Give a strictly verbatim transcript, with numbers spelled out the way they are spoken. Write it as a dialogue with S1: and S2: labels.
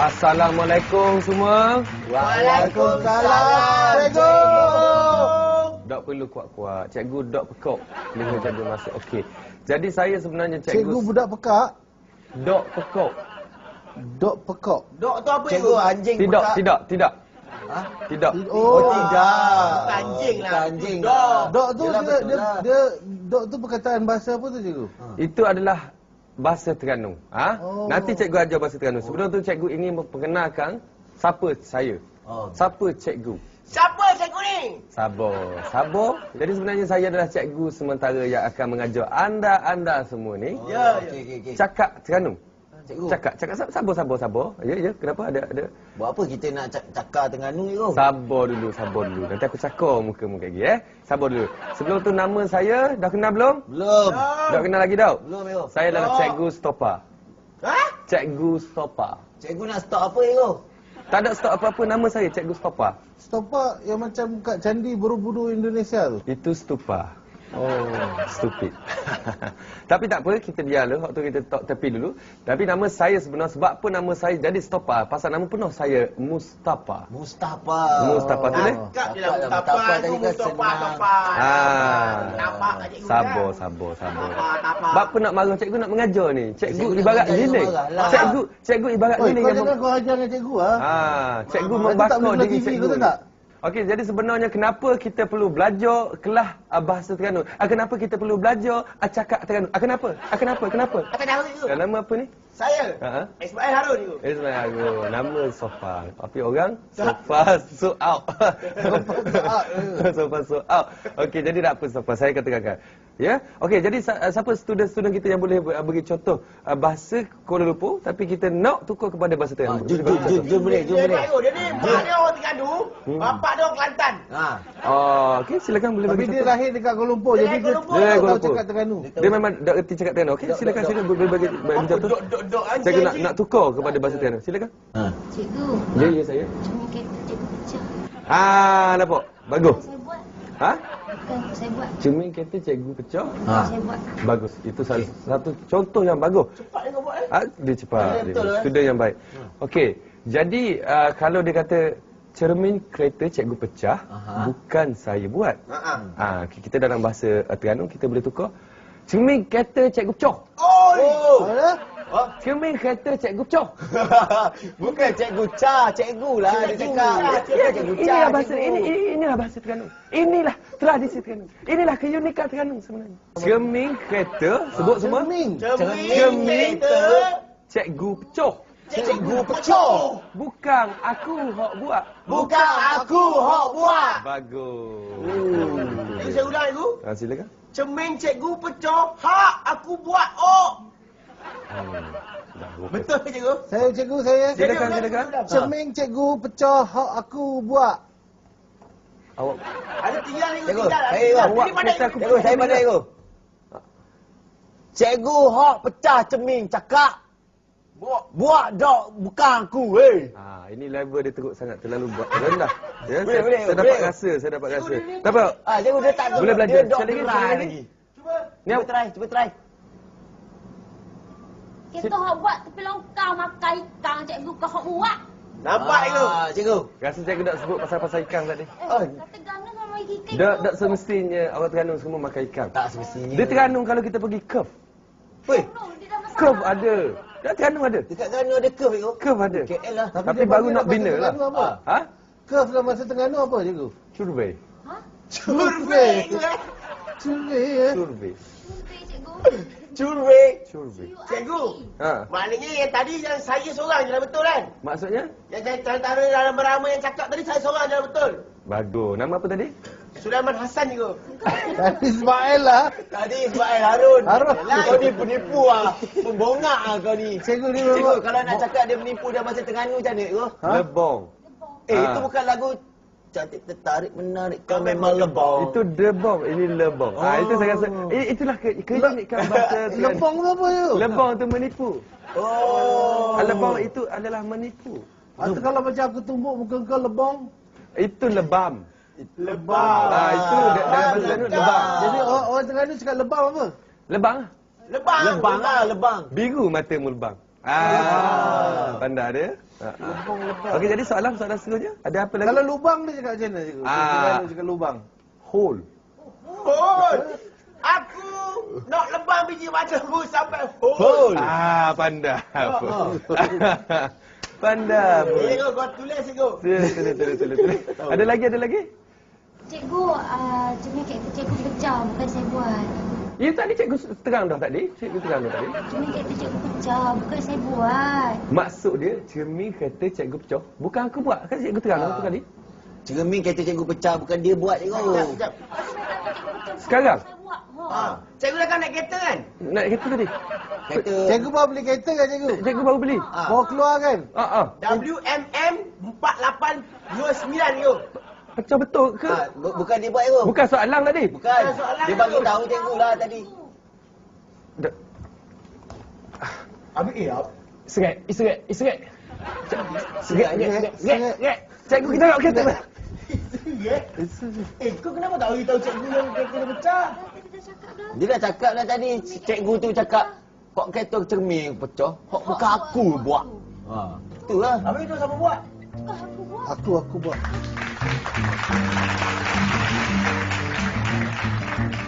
S1: Assalamualaikum semua.
S2: Waalaikumsalam, cikgu.
S1: Dok perlu kuat-kuat. Cikgu dok pekok. Bila cikgu masuk. Okey. Jadi saya sebenarnya cikgu...
S2: Cikgu budak pekak?
S1: Dok pekok.
S2: Dok pekok?
S3: Dok tu apa,
S4: cikgu? Anjing
S1: Tidak,
S4: pekak.
S1: tidak, tidak.
S4: Ha?
S1: Tidak.
S2: Oh,
S4: Oh tidak.
S3: Bukan anjing lah.
S4: Bukan anjing.
S3: Dok.
S2: Dok tu
S4: Yelah,
S2: dia,
S4: betul
S2: dia,
S4: lah.
S2: dia, dok tu perkataan bahasa apa tu, cikgu?
S1: Itu adalah bahasa Terengganu. Ha?
S2: Oh.
S1: Nanti cikgu ajar bahasa Terengganu. Sebelum tu cikgu ingin memperkenalkan siapa saya.
S4: Oh.
S1: Siapa cikgu.
S3: Siapa cikgu ni?
S1: Sabar, sabar. Jadi sebenarnya saya adalah cikgu sementara yang akan mengajar anda-anda semua ni
S4: Oh,
S3: Ya,
S4: okey okey okey.
S1: cakap Terengganu.
S4: Cikgu.
S1: Cakap, cakap sabar, sabar, sabar. Ya, ya. Kenapa ada ada
S4: Buat apa kita nak cak- cakar Terengganu ni, kau?
S1: Sabar dulu, sabar dulu. Nanti aku cakap muka-muka lagi eh. Sabar dulu. Sebelum tu nama saya dah kenal belum?
S4: Belum.
S1: Dah kenal lagi tau?
S4: Belum, Ego.
S1: Saya adalah
S3: Oh.
S1: cikgu stopa.
S3: Ha?
S1: Cikgu stopa.
S4: Cikgu nak stop apa, Ego?
S1: Tak ada stop apa-apa, nama saya cikgu stopa.
S2: Stopa yang macam kat Candi Borobudur Indonesia tu?
S1: Itu stupa. Oh, stupid. Tapi tak apa, kita biarlah. Waktu kita talk tepi dulu. Tapi nama saya sebenarnya, sebab apa nama saya jadi stopa? Pasal nama penuh saya Mustafa.
S4: Mustafa.
S1: Mustafa tu ni?
S3: Cakap je lah
S4: Cakap lah,
S3: Mustafa
S4: Mustafa
S3: tu,
S4: tadi kan
S3: Mustafa,
S4: senang.
S3: Mustafa.
S1: Ah.
S3: Nampak kat cikgu
S1: Sabar,
S3: kan?
S1: sabar, sabar.
S3: Nampak, nampak.
S1: Sebab apa nak marah cikgu nak mengajar ni? Cikgu
S4: Cikgu nak
S1: ibarat
S4: mengajar,
S1: giling.
S4: jangan marah lah.
S1: Cikgu, cikgu ibarat
S2: Oi,
S1: giling
S2: kau
S1: yang
S2: jangan
S1: mem-
S2: kau ajar dengan cikgu, ha?
S1: Ah, cikgu
S2: Nanti tak
S1: membakar
S2: boleh
S1: diri
S2: T V,
S1: cikgu.
S2: kau tahu tak?
S1: Okey, jadi sebenarnya kenapa kita perlu belajar kelas uh, bahasa Terengganu? Ah, kenapa kita perlu belajar uh, cakap Terengganu? Ah, kenapa? Ah, kenapa? Kenapa?
S3: Kata dah cikgu.
S1: Ah, nama apa ni?
S3: Saya.
S1: Ha?
S3: Ismail Harun cikgu.
S1: Ismail Harun. Nama Sofa. Tapi orang Sofa so out. Sofa so out. Okey, jadi tak apa Sofa. Saya katakan. Ya? Okey, jadi sa- siapa student-student kita yang boleh uh, bagi contoh uh, bahasa Kuala Lumpur tapi kita nak tukar kepada bahasa
S4: Ah,
S1: Terengganu?
S4: jom, jom, jom, jom boleh, jom
S3: Dia
S4: boleh.
S3: baik, dia ni mak dia orang Terengganu,
S1: Hmm.
S3: bapak dia orang Kelantan.
S4: Ha.
S1: Oh, okey, silakan boleh
S2: Tapi
S1: bagi
S2: dia
S1: contoh.
S2: lahir dekat Kuala Lumpur,
S3: Dia
S2: jadi
S3: lahir
S2: dia
S3: Kuala Lumpur.
S1: Dia lahir
S2: tak
S1: Kuala
S2: tahu
S1: Lumpur.
S2: cakap Terengganu.
S1: Dia memang dah erti cakap Terengganu. Okey,
S4: Dok,
S1: silakan
S4: dok,
S1: silakan boleh bagi bagi
S3: Apa
S1: contoh.
S3: dok dok dok anjing.
S1: Cikgu nak
S3: anjing.
S1: nak tukar kepada bahasa Terengganu. Silakan.
S4: Ha.
S5: Cikgu,
S1: Ya, ya saya.
S5: cuma kereta cikgu pecah.
S1: Ah, nampak? Bagus.
S5: Saya buat.
S1: Ha?
S5: Bukan saya buat.
S1: Cermin kereta cikgu pecah.
S4: Ha.
S5: Saya buat.
S1: Bagus. Itu salah satu contoh yang bagus.
S3: Cepat dia kau buat eh.
S1: Ah, dia cepat.
S4: Ah,
S1: Dia,
S4: betul, eh?
S1: student yang baik. Okey. Jadi uh, kalau dia kata cermin kereta cikgu pecah,
S4: Aha.
S1: bukan saya buat.
S3: Ha ah.
S1: Ah, kita dalam bahasa uh, Terengganu kita boleh tukar. Cermin kereta cikgu pecah.
S3: Oh.
S2: Ada?
S4: Oh.
S1: Cermin kereta cikgu pecah.
S4: Bukan cikgu Cha, cikgu lah dia cakap.
S3: Cha,
S4: Dia cikgu Cha.
S1: Inilah bahasa
S4: cikgu.
S1: ini, ini inilah bahasa Terengganu. Inilah tradisi Terengganu. Inilah keunikan Terengganu sebenarnya. Cermin kereta sebut semua.
S2: Cermin.
S3: Cermin kereta
S1: Cikgu pecah.
S3: cikgu pecah.
S1: Bukan aku hok buat.
S3: Bukan aku hok buat.
S1: Bagus.
S3: Cikgu saya ulang cikgu.
S1: Ah, silakan.
S3: Cermin cikgu pecah, hak aku buat. Oh.
S1: Hmm. Dah,
S3: Betul ke cikgu?
S2: Saya cikgu saya.
S1: Silakan,
S3: Cikgu,
S1: silakan.
S3: cikgu,
S2: Cermin cikgu pecah, hak aku buat.
S1: Awak
S3: Ada tinggal cikgu,
S4: Cikgu,
S3: tinggal. ada
S4: hey,
S3: tinggal.
S1: awak
S3: Ini pandai
S1: kata aku-
S4: Cikgu, saya pandai, cikgu. Cikgu hok pecah cermin cakap.
S3: Buat.
S4: Buat dok, bukan aku, weh.
S1: Ah, ini level dia teruk sangat, terlalu buat rendah. Ya,
S4: Boleh,
S1: saya,
S4: boleh,
S1: saya dapat
S4: boleh.
S1: rasa, saya dapat rasa.
S3: Cikgu, dia ni-
S1: Tak apa.
S4: Ah, cikgu dia tak
S1: Boleh belajar.
S4: Dia dok
S1: Sekali lagi,
S4: gerai
S1: sekali lagi.
S4: lagi.
S3: Cuba.
S1: Ni
S4: Cuba
S1: awak-
S4: try, cuba try.
S5: Kita hok buat tapi longkang makan ikan cikgu kau hok buat.
S3: Nampak cikgu?
S4: Ah, cikgu.
S1: Rasa cikgu tak sebut pasal-pasal ikan tadi.
S5: Eh,
S4: Oh.
S5: kata gana sama ikan.
S1: Tak, tak semestinya orang Terengganu semua makan ikan.
S4: Tak semestinya.
S1: Dia Terengganu kalau kita pergi curve.
S4: Weh,
S5: Dia dah masak.
S1: Curve ada. Dia Terengganu ada.
S4: dekat Terengganu ada curve, cikgu.
S1: Curve ada.
S4: K L lah.
S1: Tapi
S2: dia
S1: baru
S2: panggil
S1: nak
S2: dalam
S1: bina
S2: bahasa
S1: lah.
S2: Terengganu apa?
S1: Ha?
S2: Curve dalam bahasa Terengganu apa, cikgu?
S1: Survey.
S5: Ha?
S3: Survey cikgu eh.
S2: Survey ya.
S1: Survey.
S5: Survey cikgu.
S4: Curve.
S1: Survey.
S3: Cikgu.
S1: Ha.
S3: Maknanya yang tadi yang saya seorang je lah betul kan?
S1: Maksudnya?
S3: Yang saya antara dalam beramai yang cakap tadi saya seorang je lah betul.
S1: Bagus. Nama apa tadi?
S3: Sulaiman Hassan cikgu.
S2: Tadi Ismail lah.
S4: Tadi Ismail Harun.
S2: Harun.
S4: Yalah, kau ni penipu ah. Pembongak ah kau ni.
S2: Cikgu ni
S4: Cikgu,
S2: memang
S4: kalau nak cakap dia menipu dalam bahasa Terengganu macam mana, cikgu?
S2: Ha?
S1: Lebong.
S4: Eh,
S1: Ah.
S4: itu bukan lagu cantik tertarik menarik kau memang lebong.
S1: Itu debong, ini lebong. Ah, itu saya rasa eh, itulah ke, keunikan bahasa Terengganu.
S2: Lebong tu apa tu?
S1: Lebong tu menipu.
S4: Oh.
S1: Ah, lebong itu adalah menipu.
S2: Atau kalau macam aku tumbuk muka kau lebong.
S1: Itu lebam.
S3: Lebam.
S1: Ah, itu da- dalam bahasa Terengganu lebam.
S2: Jadi orang, orang Terengganu cakap lebam apa?
S1: Lebang.
S3: Lebam.
S4: Lebang ah, lebang.
S1: Biru matamu lebang. Ah, pandai dia. Ha, ha. Okey, jadi soalan soalan seterusnya. Ada apa lagi?
S2: Kalau lubang dia cakap macam mana cikgu?
S1: Ah.
S2: Dia cakap lubang.
S1: Hole.
S3: Hol. Aku nak lebang biji macammu sampai hol.
S4: Hol.
S1: Ah, pandai. Pandai.
S3: Cikgu, kau tulis cikgu.
S1: Tulis, tulis, tulis, tulis, tulis. Ada lagi, ada lagi?
S5: Cikgu, uh, cermin kereta cikgu pecah, bukan saya buat.
S1: Ya, tadi cikgu terang dah tadi. Cikgu terang dah tadi.
S5: Cermin kereta cikgu pecah, bukan saya buat.
S1: Maksud dia, cermin kereta cikgu pecah. Bukan aku buat. Kan cikgu terang dah tu tadi.
S4: Cermin kereta cikgu pecah, bukan dia buat cikgu.
S3: Sekejap, sekejap.
S5: Tapi saya kata cikgu pecah, bukan
S1: Sekarang?
S5: saya buat. Ha.
S3: Ha. Cikgu dah kan naik kereta kan?
S1: Naik kereta tadi.
S4: Kereta.
S2: Cikgu baru beli kereta kan cikgu?
S1: Cikgu baru beli.
S3: Ha.
S2: Baru keluar kan?
S1: Ah, ah.
S3: W M M empat lapan dua sembilan tu.
S1: Pecah betul ke?
S4: Ha, bu- bukan dia buat cikgu.
S1: Bukan soalan tadi.
S4: Bukan.
S3: soalan
S4: Dia bagi
S3: tu.
S4: tahu cikgu lah tadi.
S1: Da-
S3: Habis eh, apa?
S1: Seret, seret, seret. Seret, seret,
S2: Seret,
S1: seret, seret. Cikgu kita nak kereta.
S3: Ya? Eh, kau kenapa tak beritahu cikgu yang kereta dia pecah?
S5: Tadi dah cakap dah.
S4: Dia dah cakap dah tadi. Cikgu tu cakap, kok kereta cermin pecah, kok bukan aku buat. Ha, itulah.
S3: Habis itu siapa buat?
S5: Bukan aku buat.
S2: Aku, aku buat.